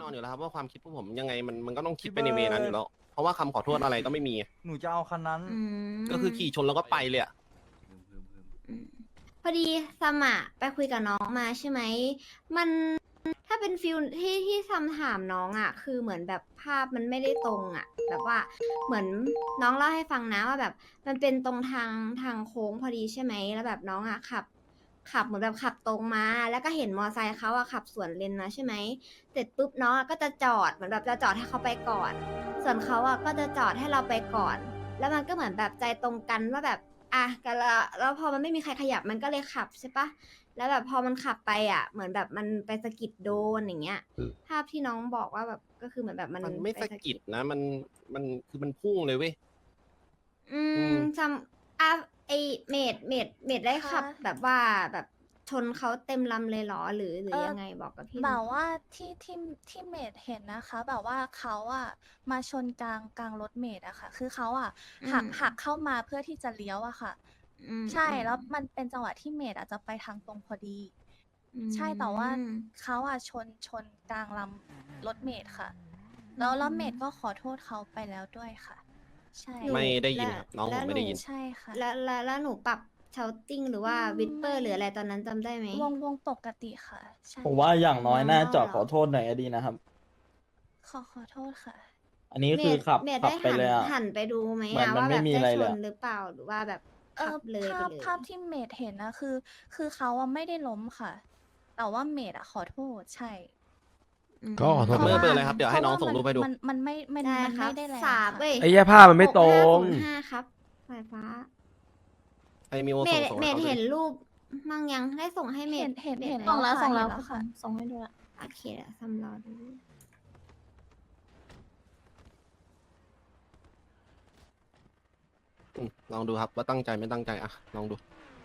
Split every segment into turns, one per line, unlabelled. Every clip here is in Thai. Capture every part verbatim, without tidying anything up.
อนอยู่แล้วครับว่าความคิดพวกผมยังไงมันมันก็ต้องคิดไปในเวนั้นอยู่แล้วเพราะว่าคำขอโทษอะไรก็ไม่มี
หนูจะเอาคันนั้น
อืม
ก็คือขี่ชนแล้วก็ไปเลยอะ
อืมพอดีซัมอะไปคุยกับน้องมาใช่ไหมมันถ้าเป็นฟิลที่ที่ซัมถามน้องอะคือเหมือนแบบภาพมันไม่ได้ตรงอะแบบว่าเหมือนน้องเล่าให้ฟังนะว่าแบบมันเป็นตรงทางทางโค้งพอดีใช่ไหมแล้วแบบน้องอะขับ ขับเหมือนแบบขับตรงมา แล้วก็เห็นมอไซค์เขาอะขับสวนเลนมาใช่ไหมเสร็จปุ๊บน้องอะก็จะจอดเหมือนแบบจะจอดให้เขาไปก่อน ส่วนเขาอะก็จะจอดให้เราไปก่อน แล้วมันก็เหมือนแบบใจตรงกันว่าแบบอ่ะกันละแล้วพอมันไม่มีใครขยับมันก็เลยขับใช่ปะแล้วแบบพอมันขับไปอะเหมือนแบบมันไปสะกิดโดนอย่างเงี้ยภาพที่น้องบอกว่าแบบก็คือเหมือนแบบมัน
มันไม่
ป
สะกิดนะมันมันคือมันพุ่งเลยเว้ย
อื
อื
ม
ม
ซัมอ่ะไอเมดเมดเมดได้ขับ
คะ
แบบว่าแบบชนเขาเต็มลำเลยเหรอหรือหรื
เอ
อ
อ
ยังไงบอกกับพี่ห
แบ
น่อย
บว่าที่ที่ที่เมดเห็นนะคะ แบบว่าเขาอะมาชนกลางกลางรถเมดอะค่ะ คือเขาอะหัก
อืม
หักเข้ามาเพื่อที่จะเลี้ยวอะค่ะ
อืม
ใช่
อืม
แล้วมันเป็นจังหวะที่เมดอาจจะไปทางตรงพอดี
อื
ใช่แต่ว่า
ม
เขาอะชนชนกลางลำรถเมดค่ะ แล้วแล้วเมดก็ขอโทษเขาไปแล้วด้วยค่ะ ใช่
หนู
ไม่ได้ยิน
และ
ครับน้อง
และ
ผมไม่ได้ยิน
ห
ใช่ค่ะ
แล้วแล้วแล้วหนูปรับเชาติ้งหรือว่า
อืม
วิสเปอร์
ไม่
หรืออะไรตอนนั้นจำได้ไหม
วงวงปกติค่ะ ใช่
ผมว่าอย่างน้อยน่าจอด
normal
ขอโทษหน่อยก็ดีนะครับ
ขอขอโทษค่ะ
อันนี้
เม
คือ
ด
ขับ
เมด
ขับ
ได้
ไป
หัน
เลยอ่ะ
หันไปดูไหม
เหมือน
อะ
มัน
ว่า
ไม่
แบบ
มี
ได้
อะไร
ช
เลย
น
อะ
หรือเปล่าหรือว่าแบบ
เอ
ขั
อบ
เลย
ภา
ไป
พ
เลย
ภาพที่เมดเห็นนะคือ คือเขาอะไม่ได้ล้มค่ะ แต่ว่าเมดอะขอโทษ ใช่
อืม
ก็ขอโทษ
เพราะ
เบอร์
ว่า
เบอร์อะไรครับเดี๋ยวให้น้อง
พราะ
ส่งรูปให้ดู
มันมันไม่มัน
ได้
มัน
ครั
ไม่
บ
ได้แรง
สาม
ค่ะ
เว้ย
ไอ้เหี้ยภาพมันไม่ตรง
หกห้าศูนย์ห้าครับสายฟ้า
ไอ้มิว
เม
ส่ง
ด
ส่ง
เม
ให้
ด
เขาดู
เห็น
ดิ
รูปมั่งยังได้ส่งให้เม
เห็
ด
นเห็น
มด
เห็น
ไหม
แล้ว
ส่งแล้ว
ค่ะ
ส่ง
เห็
แล้ว
นแล้วค่ะ
ส่งให้ดูละ
โอเคเดี๋ยวซัมรอดู
อืมลองดูครับว่าตั้งใจไม่ตั้งใจอะลองดู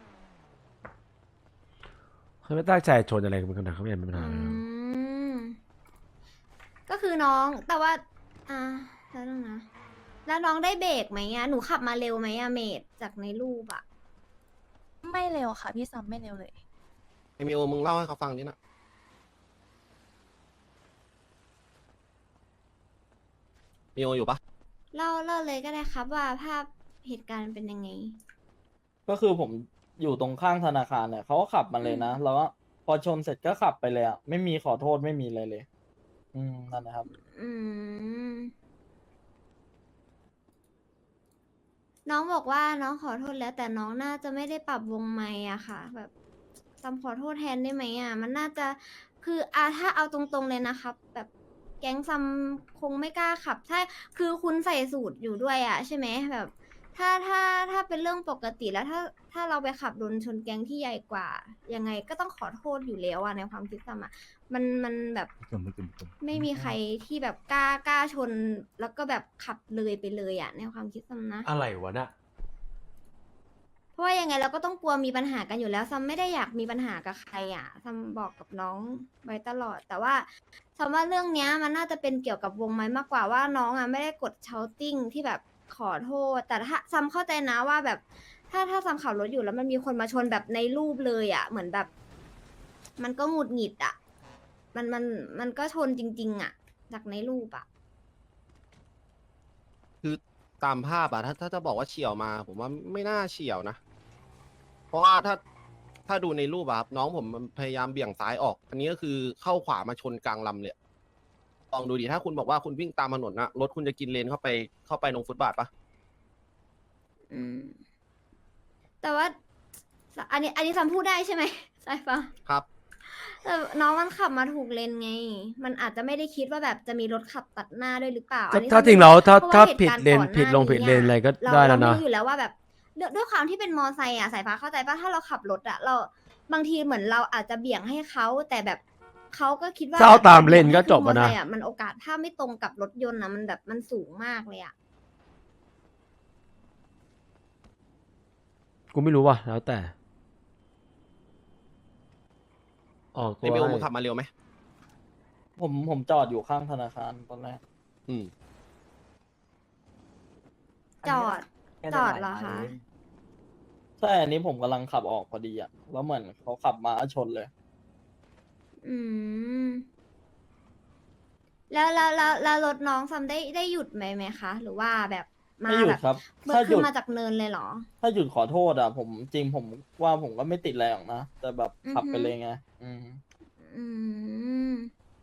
เขาไม่ตั้งใจชนอะไรกันขนาดเขาไม่เห็นเป็นปัญ
อื
หาเลยครับ
ม ก็คือน้องแต่ว่า อ่าแล้วนึงนะ แล้วน้องได้เบรกไหมอะหนูขับมาเร็วไหมอะเมดจากในรูปอะ
ไม่เร็วค่ะ พี่ซัมไม่เร็วเลย
ไอ้มิวมึงเล่าให้เขาฟังดินะมิวอยู่ปะ
เล่าเล่าเลยก็ได้ครับว่าภาพเหตุการณ์เป็นยังไง
ก็คือผมอยู่ตรงข้างธนาคารเนี่ยเขาก็ขับมาเลยนะ แล้วก็พอชนเสร็จก็ขับไปเลยอ่ะ ไม่มีขอโทษไม่มีอะไรเลย อืม นั่นนะครับ
อืม น้องบอกว่าน้องขอโทษแล้ว แต่น้องน่าจะไม่ได้ปรับวงไมค์อะค่ะ แบบซัมขอโทษแทนได้ไหมอะมันน่าจะคืออาถ้าเอาตรงๆเลยนะครับ แบบแก๊งซัมคงไม่กล้าขับถ้าคือคุณใส่สูตรอยู่ด้วยอะใช่ไหมแบบ ถ้าถ้าถ้าเป็นเรื่องปกติแล้วถ้าถ้าเราไปขับโดนชนแก๊งที่ใหญ่กว่า ยังไงก็ต้องขอโทษอยู่แล้วอะในความคิดซัมอะมันมันแบบไม่มีใครที่แบบกล้ากล้าชนแล้วก็แบบขับเลยไปเลยอะในความคิดซัมนะ
อะไรวะน่ะ
เพราะว่ายังไงเราก็ต้องกลัวมีปัญหากันอยู่แล้วซัมไม่ได้อยากมีปัญหากับใครอ่ะซัมบอกกับน้องไว้ตลอด แต่ว่าซัมว่าเรื่องเนี้ยมันน่าจะเป็นเกี่ยวกับวงไม้มากกว่าว่าน้องอ่ะไม่ได้กดเชาติ้งที่แบบขอโทษ แต่ถ้าซัมเข้าใจนะว่าแบบ ถ้าถ้าซัมขับรถอยู่แล้วมันมีคนมาชนแบบในรูปเลยอ่ะ เหมือนแบบ มันก็หงุดหงิดอ่ะ มันมันมันก็ชนจริง ๆ อ่ะ จากในรูปอ่ะ
คือตามภาพอะถ้าถ้าจะบอกว่าเฉียวมา ผมว่าไม่น่าเฉียวนะ เพราะว่าถ้าถ้าดูในรูปอะครับน้องผมมันพยายามเบี่ยงซ้ายออก อันนี้ก็คือเข้าขวามาชนกลางลำเลยลองดูดิถ้าคุณบอกว่าคุณวิ่งตามถนนนะรถคุณจะกินเลนเข้าไปเข้าไปตรงฟุตบาทปะ
อืม แต่ว่า อันนี้ อันนี้ซัมพูดได้ใช่ไหมใช่ปะ
ครับ
แต่น้องมันขับมาถูกเลนไง มันอาจจะไม่ได้คิดว่าแบบจะมีรถขับตัดหน้าด้วยหรือเปล่า
ถ้า
อันนี้
ถ้า
ซัม
จริงแล้วถ้า
พะ
ถ้า
เหตุ
ผิด
การณ์
เลน
ก่อหา
ผิดลง
นี้
ผิดเลนอะไรก็
เรา
ได้แล้ว
เรา
นะ
ไม่รู้อยู่แล้วว่าแบบด้วยด้วยความที่เป็นมอไซค์อ่ะสายฟ้าเข้าใจป่ะถ้าเราขับรถอ่ะ เราบางทีเหมือนเราอาจจะเบี่ยงให้เขาแต่แบบเขาก็คิดว่า
ถ้าเอา
แบบ
ตามเลน
บี่ยง
ก็
ให้
จบ
ขึ้มอ
อะนะ
ไซค์อ่ะมันโอกาสถ้าไม่ตรงกับรถยนต์อ่ะมันแบบมันสูงมากเลยอ่ะ
กูไม่รู้ว่ะแล้วแต่ ออกตั
ไอ้
ว
มิว
ให้
มึงขับมาเร็วไหม
ผมผมจอดอยู่ข้างธนาคารตอนแรก
อืม
จอด จอดเหรอคะ
ใช่ อันนี้ผมกำลังขับออกพอดีอ่ะ แล้วเหมือนเขาขับมาชนเลย
อืมแล้วแล้วแล้วแล้วรถน้องซัมได้ได้หยุดไหมไหมคะ หรือว่าแบบมา
ไม่หยุ
แบ
ด
บ
ครับ
เบิ
ถ้า
ด
ห
ขึ้
ยุ
น
ด
มาจากเนินเลยเหรอ
ถ้าหยุดขอโทษอ่ะ ผมจริงผมว่าผมก็ไม่ติดอะไรหรอกนะ แต่แบบขับไป
อือฮึ
เลยไง อืม
อืม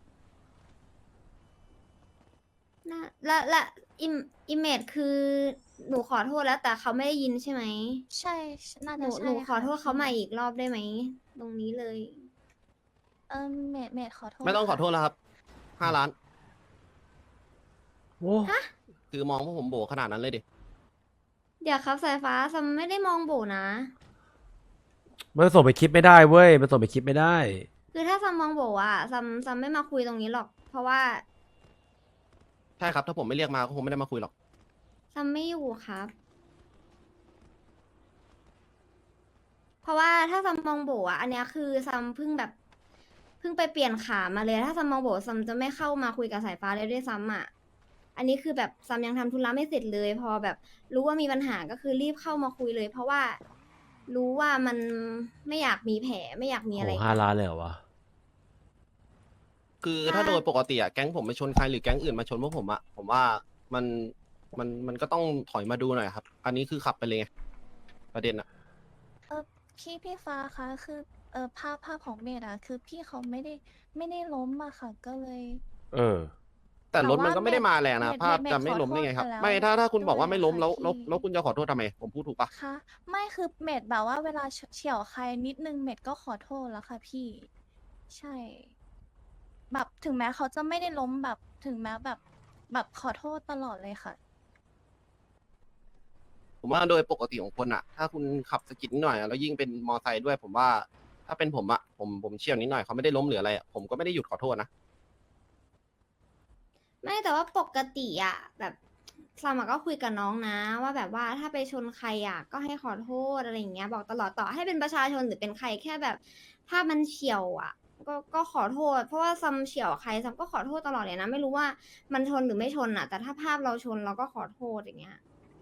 น่าและและอิมอิมเมจคือหนูขอโทษแล้วแต่เขาไม่ได้ยินใช่ไหม
ใช่น่า
หนู
จะ
หนู
ใช่
ขอ
ค่ะ
โทษเขา
พี่
ใหม่อีกรอบได้ไหม ตรงนี้เลย
เออเมดเมดขอโทษ
ไม่ต้องขอ
ค่ะ
โทษแล้วครับห้าล้าน
โอ้
คือมองว่าผมโบขนาดนั้นเลยดิ
เดี๋ยวครับสายฟ้าซัมไม่ได้มองโบนะ
มันส่งไปคลิปไม่ได้เว้ย มันส่งไปคลิปไม่ได้
คือถ้าซัมมองโบอะซัมซัมไม่มาคุยตรงนี้หรอก เพราะว่า
ใช่ครับ ถ้าผมไม่เรียกมาก็คงไม่ได้มาคุยหรอก
ซัมไม่อยู่ครับ เพราะว่าถ้าซัมมองโบอะอันเนี้ยคือซัมเพิ่งแบบเพิ่งไปเปลี่ยนขามาเลย ถ้าซัมมองโบซัมจะไม่เข้ามาคุยกับสายฟ้าเลยด้วยซ้ำอะอันนี้คือแบบซัมยังทำธุระไม่เสร็จเลย พอแบบรู้ว่ามีปัญหาก็คือรีบเข้ามาคุยเลย เพราะว่ารู้ว่ามันไม่อยากมีแผลไม่อยากมีอะไร
โอ้ห้าล้านเลยเหรอวะ
คือ
ถ้า
ถ้าโดยปกติอะแก๊งผมไปชนใครหรือแก๊งอื่นมาชนพวกผมอะผมว่ามันมันมันก็ต้องถอยมาดูหน่อยครับ อันนี้คือขับไปเลยไงประเด็นอะ
เออพี่พี่ฟ้าคะคือเออภาพภาพของเมดอะคือพี่เขาไม่ได้ไม่ได้ล้มอะค่ะ ก็เลย
เออ
แต่รถ
แต่ว่า
มันก็ไม่ได้มาแรงนะ
เมด
ภาพ
เมด
จะไม่
ขอ
ล้มได้ไงครับ
โทษไปแล้ว
ไม่ถ้าถ้าคุณบอกว่า
ด้วย
ไม่ล้ม
ค่ะ
แล้วแล้ว
พี่
แล้วคุณจะขอโทษทำไม ผมพูดถูกปะ
คะไม่คือเมดแบบว่าเวลาเฉี่ยวใครนิดนึงเมดก็ขอโทษแล้วค่ะพี่ ใช่ แบบถึงแม้เขาจะไม่ได้ล้มแบบถึงแม้แบบแบบขอโทษตลอดเลยค่ะ
ผมว่าโดยปกติของคนอะถ้าคุณขับสะกิดนิดหน่อยอะแล้วยิ่งเป็นมอไซค์ด้วย ผมว่าถ้าเป็นผมอะผมผมเชี่ยวนิดหน่อยเขาไม่ได้ล้มหรืออะไรอะผมก็ไม่ได้หยุดขอโทษนะ
ไม่แต่ว่าปกติอะแบบซัมอะก็คุยกับน้องนะ ว่าแบบว่าถ้าไปชนใครอะก็ให้ขอโทษอะไรอย่างเงี้ย บอกตลอดต่อให้เป็นประชาชนหรือเป็นใครแค่แบบภาพมันเฉียวอะก็ก็ขอโทษ เพราะว่าซัมเฉียวใครซัมก็ขอโทษตลอดเลยนะ ไม่รู้ว่ามันชนหรือไม่ชนอะแต่ถ้าภาพเราชนเราก็ขอโทษอย่างเงี้ย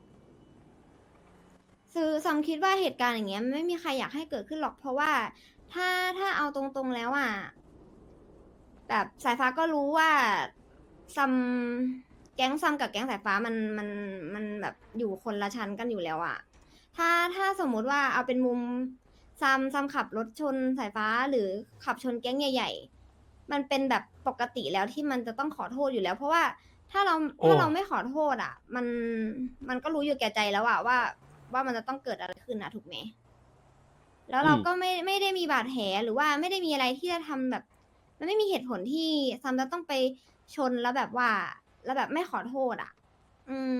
คือซัมคิดว่าเหตุการณ์อย่างเงี้ยมันไม่มีใครอยากให้เกิดขึ้นหรอก เพราะว่าถ้าถ้าเอาตรงๆแล้วอะ แบบสายฟ้าก็รู้ว่าซัมแก๊งซัมกับแก๊งสายฟ้ามันมันมันแบบอยู่คนละชั้นกันอยู่แล้วอะถ้าถ้าสมมุติว่าเอาเป็นมุมซัมซัมขับรถชนสายฟ้าหรือขับชนแก๊งใหญ่ ๆ มันเป็นแบบปกติแล้วที่มันจะต้องขอโทษอยู่แล้ว เพราะว่าถ้าเรา
โอ้
ถ้าเราไม่ขอโทษอะมันมันก็รู้อยู่แก่ใจแล้วอะว่าว่ามันจะต้องเกิดอะไรขึ้นอะถูกไหมแล้วเรา
อืม
ก็ไม่ไม่ได้มีบาดแผลหรือว่าไม่ได้มีอะไรที่จะทำแบบ มันไม่มีเหตุผลที่ซัมจะต้องไปชนแล้วแบบว่า แล้วแบบไม่ขอโทษอ่ะ อืม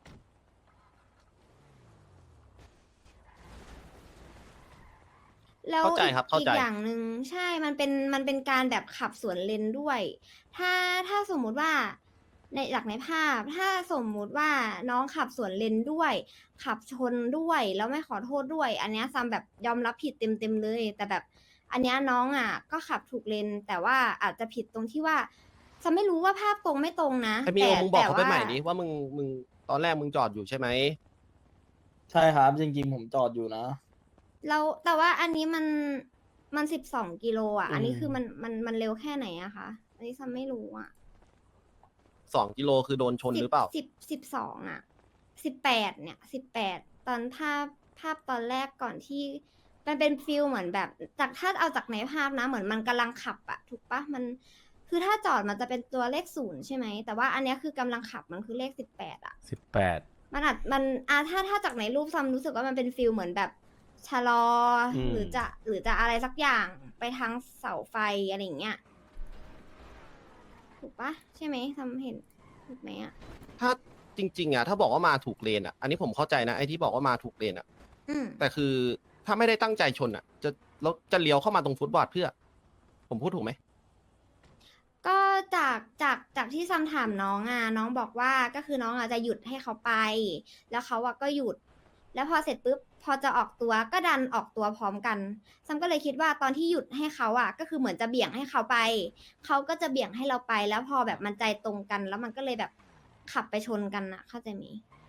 แล้ว
เข้าใจ
อีก
ครับเข้า
อี
ใจ
กอย่างหนึ่งใช่ มันเป็นมันเป็นการแบบขับสวนเลนด้วย ถ้าถ้าสมมุติว่าในจากในภาพ ถ้าสมมุติว่าน้องขับสวนเลนด้วย ขับชนด้วยแล้วไม่ขอโทษด้วย อันเนี้ยซัมแบบยอมรับผิดเต็มเต็มๆเลย แต่แบบ อันเนี้ยน้องอ่ะ ก็ขับถูกเลน แต่ว่าอาจจะผิดตรงที่ว่าซัมไม่รู้ว่าภาพตรงไม่ตรงนะ
ไอ้มีโอ
แต่
มึงบอก
แต่
เขาไป
ว่า
ใหม่ดิว่ามึงมึงตอนแรกมึงจอดอยู่ใช่ไหม
ใช่ครับ จริงๆ ผมจอดอยู่นะ
แล้วแต่ว่าอันนี้มันมันสิบสองกิโลอ่ะ
อืม
อันนี้คือมันมันมันเร็วแค่ไหนอะคะอันนี้ซัมไม่รู้อ่ะ
สองกิโลคือโดนชนหรือเปล่า
สิบสิบสองอ่ะสิบแปดเนี่ยสิบแปดตอนภาพภาพตอนแรกก่อนที่มันเป็นฟิลเหมือนแบบจากถ้าเอาจากในภาพนะ เหมือนมันกำลังขับอะถูกปะมันคือถ้าจอดมันจะเป็นตัวเลขศูนย์ใช่ไหมแต่ว่าอันเนี้ยคือกำลังขับมันคือเลขสิบแปดอะ
สิบแปด
มันอาจมันอ่ะถ้าถ้าจากในรูปซัมรู้สึกว่ามันเป็นฟิลเหมือนแบบชะลออ
ม
หรือจะหรือจะอะไรสักอย่างไปทางเสาไฟอะไรอย่างเงี้ยถูกปะใช่ไหมซัมเห็นถูกไหมอะ
ถ้าจริงๆอ่ะถ้าบอกว่ามาถูกเลนอ่ะ อันนี้ผมเข้าใจนะไอ้ที่บอกว่ามาถูกเลนอ่ะ
อืม
แต่คือถ้าไม่ได้ตั้งใจชนอ่ะ จะแล้วจะเลี้ยวเข้ามาตรงฟุตบาทเพื่อ ผมพูดถูกไหม
ก็จากจากจากที่ซัมถามน้องอ่ะน้องบอกว่าก็คือน้องอ่ะจะหยุดให้เขาไป แล้วเขาอ่ะก็หยุด แล้วพอเสร็จปุ๊บพอจะออกตัวก็ดันออกตัวพร้อมกันซัมก็เลยคิดว่าตอนที่หยุดให้เขาอ่ะ ก็คือเหมือนจะเบี่ยงให้เขาไปเขาก็จะเบี่ยงให้เราไป แล้วพอแบบมันใจตรงกัน แล้วมันก็เลยแบบขับไปชนกันอ่ะ เข้าใจไหม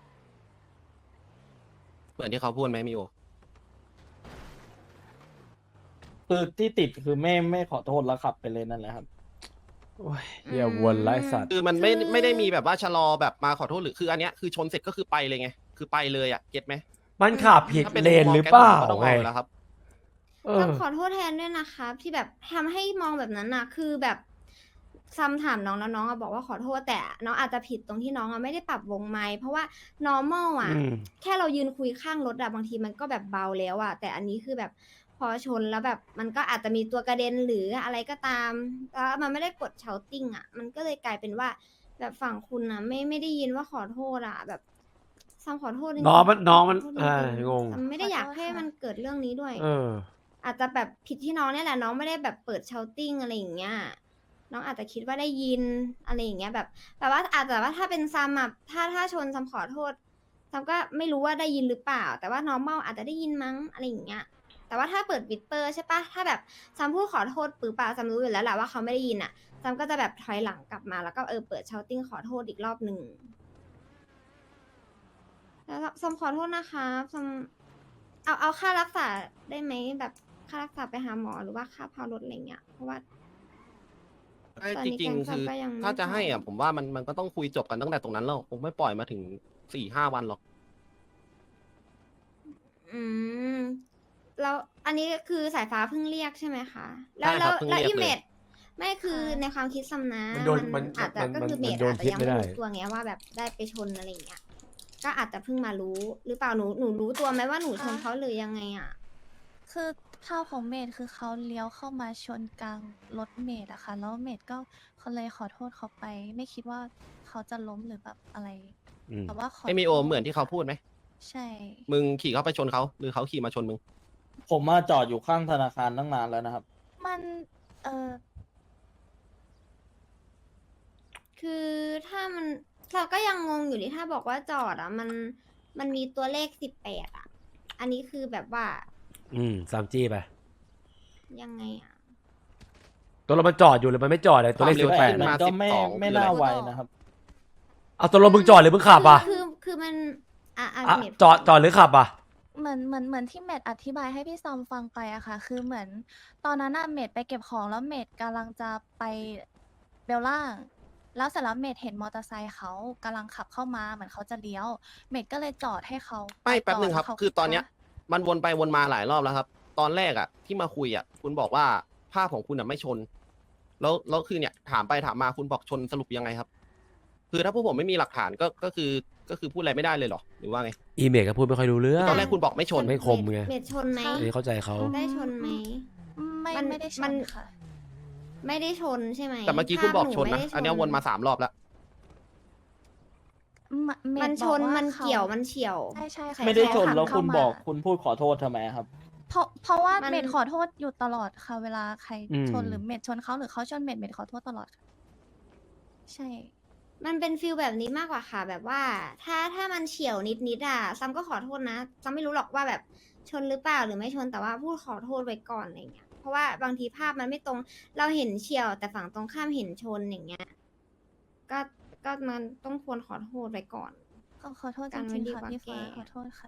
เหมือนที่เขาพูดไหมมิโอ
คือที่ติดคือไม่ไม่ขอโทษแล้วขับไปเลยนั่นแหละครับ
โอ้ยเหี้ยวนไร้สัตว์
คือมันไม่
คือ
ไม่ได้มีแบบว่าชะลอแบบมาขอโทษหรือคืออันเนี้ยคือชนเสร็จก็คือไปเลยไงคือไปเลยอ่ะเก็ตไหม
มันขับผิด
ถ้าเป็น
เลน
มุมมอง
หรือเปล่า
แก๊งผมก็ต้อง
ไง
เอาอยู่แล้วครับ
เอ
ซั
อ
มขอโทษแทนด้วยนะครับ ที่แบบทำให้มองแบบนั้นนะคือแบบซัมถามน้องแล้วน้องอะบอกว่าขอโทษแต่น้องอาจจะผิดตรงที่น้องอะไม่ได้ปรับวงไมค์เพราะว่า normal อะ
อืม
แค่เรายืนคุยข้างรถอะบางทีมันก็แบบเบาแล้วอะแต่อันนี้คือแบบพอชนแล้วแบบมันก็อาจจะมีตัวกระเด็นหรืออะไรก็ตามแล้วมันไม่ได้กดเชาติ้งอะมันก็เลยกลายเป็นว่า แบบฝั่งคุณอะไม่ไม่ได้ยินว่าขอโทษอะแบบซัมขอโทษจริงๆ
น้องมันน้องมัน
ขโทษจ
อ่า
ริๆ
งง
ซัมไม่ได้อยาก
ขอโทษ
ให้
ค่ะ
มันเกิดเรื่องนี้ด้วย
เออ
อาจจะแบบผิดที่น้องเนี่ยแหละน้องไม่ได้แบบเปิดเชาติ้งอะไรอย่างเงี้ยน้องอาจจะคิดว่าได้ยินอะไรอย่างเงี้ยแบบแต่ว่าอาจจะว่าถ้าเป็นซัมอะถ้าถ้าชนซัมขอโทษซัมก็ไม่รู้ว่าได้ยินหรือเปล่า แต่ว่าน้องเมาอาจจะได้ยินมั้งอะไรอย่างเงี้ยแต่ว่าถ้าเปิดวิดเปอร์ใช่ปะถ้าแบบซัมพูดขอโทษปือปาซัมรู้อยู่แล้วแหละว่าเขาไม่ได้ยินอะซัมก็จะแบบถอยหลังกลับมาแล้วก็เออเปิดเชาติ้งขอโทษอีกรอบหนึ่งแล้วซัมขอโทษนะคะซัมเอาเอาค่ารักษาได้ไหมแบบค่ารักษาไปหาหมอหรือว่าค่าพารถอะไรเงี้ยเพราะว่า
ไอ้
ตอน
จ
นี้
ริง
แก๊ง
ๆ คือ
ซัมก็ยังไม่
ถ้าจะให้อ่ะ
พร้อม
ผมว่ามันมันก็ต้องคุยจบกันตั้งแต่ตรงนั้นแล้วคงไม่ปล่อยมาถึงสี่ห้าวันหรอก
อืมแล้วอันนี้คือสายฟ้าเพิ่งเรียกใช่ไหมคะ แล้
ใช่
ว
ครั
แล้
บ
ว
เพิ่ง
แล้ว
เรียก
อีเม
เลย
ดไม่คือ
ค่ะ
ในความคิดซัมนะ
มันโดนมัน
อาจจะ
มัน
ก็คือ
มัน
เม
มัน
ด
โดน
อาจจะ
พิษ
ยัง
ไม่
ไม่
ได้
รู้ตัวไงว่าแบบได้ไปชนอะไรอย่างเงี้ยก็อาจจะเพิ่งมารู้ หรือเปล่าหนูหนูรู้ตัวไหมว่าหนูชน
อ่ะ
เขาหรือยังไงอ่ะ
คือเท่าของเมดคือเขาเลี้ยวเข้ามาชนกลางรถเมดอะค่ะแล้วเมดก็เขาเลยขอโทษเขาไป ไม่คิดว่าเขาจะล้มหรือแบบอะไร
อืม
แต่ว่าขอ
ไอมีโอ
โทษ
เหมือนที่เขา
ค่ะ
พูดไหม
ใช่
มึงขี่เข้าไปชนเขาหรือเขาขี่มาชนมึง
ผมมาจอดอยู่ข้างธนาคารตั้งนานแล้วนะครับ
มันเออ
คือถ้ามันเราก็ยังงงอยู่ดิถ้าบอกว่าจอดอ่ะ มันมันมีตัวเลขสิบแปดอ่ะ อันนี้คือแบบว่า
อืมสามจี้ไป
ยังไงอ่ะ
ตัวเรามันจอดอยู่หรือมันไม่จอดเลยตัวเลข
ความเร็
สิ
ว
บแปด
ขึ้น
มัน
มา
ก็ไม่
สิบสอง
ไม่
คืออะไร
น่าไวนะครับ
เอาตัวเรามึงจอดหรือมึงขับอ่ะ
คือคือคือมันอ่ะอ่ะ
อ่ะ
เมด
จอดจอดหรือขับอ่ะ
เหมือนเหมือนเหมือนที่เมดอธิบายให้พี่ซอมฟังไปอะค่ะ คือเหมือนตอนนั้นอะเมดไปเก็บของแล้วเมดกำลังจะไปเบลล่าง แล้วเสร็จแล้วเมดเห็นมอเตอร์ไซค์เขากำลังขับเข้ามาเหมือนเขาจะเลี้ยว เมดก็เลยจอดให้เขา
ไม่
ป
แป๊บหนึ่งครับ
ก่แล้วเขา
คือตอนเนี้ย มันวนไปวนมาหลายรอบแล้วครับ ตอนแรกอ่ะ ที่มาคุยอ่ะ คุณบอกว่าภาพของคุณอ่ะไม่ชน แล้วแล้วคือเนี่ยถามไปถามมาคุณบอกชนสรุปยังไงครับ คือถ้าพวกผมไม่มีหลักฐานก็ก็คือก็คือพูดอะไรไม่ได้เลยเหรอหรือว่าไง
อีเมลก็พูดไม่ค่อยรู้เรื่อง
ตอนแรกคุณบอกไม่ชน
ไม่คมไง
เมดชนไหม
อันนี้เข้าใจเขา
ได้ชนไหม
ไม่
มัน
ไม่ได้ช
มัน
นค่ะ
ไม่ได้ชนใช่ไหม
แต่เมื่อกี้คุณบอก
ภาพห
ชนนะ
ไม่ได้
อันเนี้ยวนมาสามรอบแล้ว
มะเด
มันชน
บอกว่า
มัน
ขา
เกี่ยวมันเฉียว
ใช่ใช่ค่ะ
ไม่ได้ชน
เขาขั
แล้วคุณ
เข้ามา
บอกคุณพูดขอโทษทำไมครับ
เพราะเพราะว่า
มัน
เมดขอโทษอยู่ตลอดค่ะ เวลาใคร
อืม
ชนหรือเมดชนเขาหรือเขาชนเมดเมดขอโทษตลอดค่ะใช่
มันเป็นฟิลแบบนี้มากกว่าค่ะ แบบว่า ถ้าถ้ามันเฉียวนิดนิดอ่ะซัมก็ขอโทษนะซัมไม่รู้หรอกว่าแบบชนหรือเปล่าหรือไม่ชนแต่ว่าพูดขอโทษไว้ก่อนอะไรเงี้ยเพราะว่าบางทีภาพมันไม่ตรง เราเห็นเฉียว แต่ฝั่งตรงข้ามเห็นชนอย่างเงี้ย ก็ก็มันต้องควรขอโทษไว้ก่อน
ขอขอโทษจ
การไว้
ริง
ดี
ๆค่ะ
กว่า
พี่ฟ้า
แก้
ขอโทษค่ะ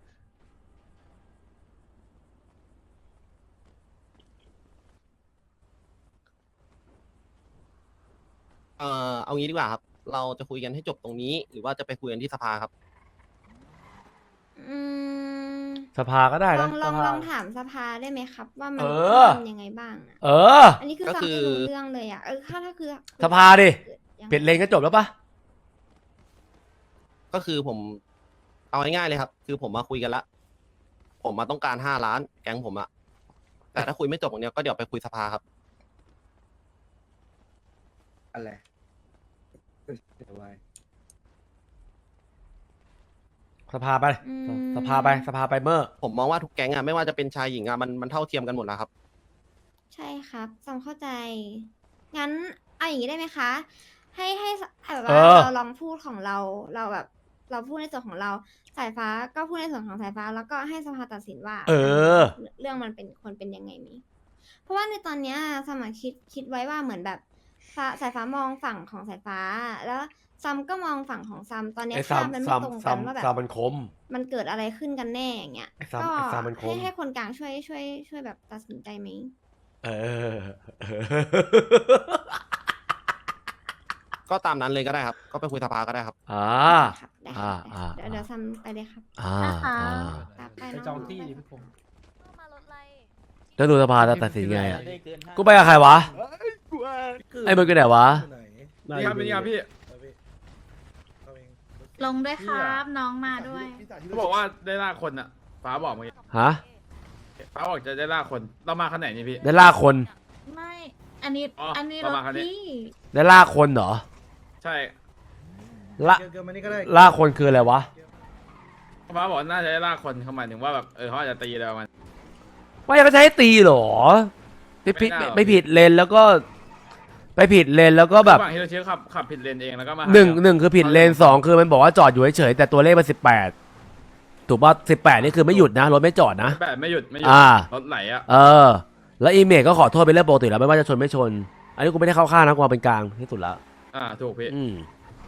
เอ่อเอางี้ดีกว่าครับ เราจะคุยกันให้จบตรงนี้ หรือว่าจะไปคุยกันที่สภาครับ
อืม
สภาก็ได้
ลอ
นะ
งลอง
สภา
ลองถามสภาได้ไหมครับ ว่ามัน
เออ
ทำยังไงบ้างอะ
เออ
อันนี้คือ
ก็
ฟัง
คือ
ไม่รู้เรื่องเลยอ่ะเออถ้าถ้าคือ
สภาดิ
ยังไง
เปลี่ยนเลนก็จบแล้วปะ
ก็คือผม เอาง่ายๆเลยครับ คือผมมาคุยกันละ ผมมาต้องการห้าล้าน แก๊งผมอะแต่ถ้าคุยไม่จบตรงเนี้ยก็เดี๋ยวไปคุยสภาครับ
อะไรเอ้ยเดี๋ยวไว้
สภาไป
อืม
สภาไปสภาไปเมื่อ
ผมมองว่าทุกแก๊งอะไม่ว่าจะเป็นชายหญิงอะมันมันเท่าเทียมกันหมดแล้วครับ
ใช่ครับจำเข้าใจ งั้นเอาอย่างนี้ได้ไหมคะ ให้ให้ให้แบบ
เอ
ว่า
อ
เราลองพูดของเรา เราแบบ เราพูดในส่วนของเรา สายฟ้าก็พูดในส่วนของสายฟ้า แล้วก็ให้สภาตัดสินว่า
เออ
เรื่องมันเป็นควรเป็นยังไงนี้ เพราะว่าในตอนเนี้ยสมัครคิดคิดไว้ว่าเหมือนแบบฟ้าสายฟ้ามองฝั่งของสายฟ้า แล้วซัมก็มองฝั่งของซัม ตอนเนี้ย
ไอ้ซั
ภาม พมันไม่
ซัม
ตรง
ซั
กั
ม
นว่าแบบ
ซัมมันคม
มันเกิดอะไรขึ้นกันแน่อย่างเงี้ย
ไอ้ซัม
ก็
ไอ้ซัมมันคม
ให้ให้คนกลางช่วยช่วยช่วยแบบตัดสินใจไหม
เออ
ก็ตามนั้นเลยก็ได้ครับ ก็ไปคุยสภาก็ได้ครับ
อ่า
ครับได้
อ่า
ครับ
อ่า
เดี๋ยวเดี๋ยวซัมไปเลยครับ
อ่า
นะคะ
อ่า
ครับไป
ไป
น้
จองที่
ไป
ดิพี่ผม
มารถไร
แล้วดูสภาจะตัดสินไงอะ
ได้เกินห้า
กูไปกับใครวะ ไอ้มึงกันไหนวะ
นี่ครับนี่ครับพี่
ลงด้วยครับ น้องมาด้วย
เขาบอกว่าได้ล่าคนอ่ะฟ้าบอกเมื่อกี้
ฮะ
ฟ้าบอกจะได้ล่าคน เรามาขนาดไหนนี่พี่
ได้ล่าคน
ไม่ อันนี้
อ๋ออั
อันนี้
ประ
รถ
มาณคันนี้
พี่
ได้ล่าคนเหรอ
ใช่
ล่า
เกินมานี่ก็ได้
ล่าคนคืออะไรวะ
ฟ้าบอกน่าจะได้ล่าคนเขาหมายถึงว่าแบบเออเขาอาจจะตีอะไรประมาณ
ไม่เขาจะให้ตีเหรอไปผิด
ไม่น่าหรอก
ไปผิดเลนแล้วก็ ไปผิดเลนแล้วก็แบบ
ระหว่างที่เราเชื่อขับขับผิดเลนเองแล้วก็มาา
หนึ่ง
เรื่อง
หนึ่งคือผิดเลนสองคือมันบอกว่าจอดอยู่เฉยๆแต่ตัวเลขมันสิบแปดถูกป่ะสิบแปดนี่คือไม่หยุดนะรถไม่จอดนะ
แบบไม่หยุดไม่หยุด
อ่า
รถไหลอ่ะ
เออ แล้วอีเมลก็ขอโทษเป็นเรื่องปกติแล้วไม่ว่าจะชนไม่ชน อันนี้กูไม่ได้เข้าข้างนะกูเอาเป็นกลางที่สุดแล้ว
อ่าถูกพี่
อืม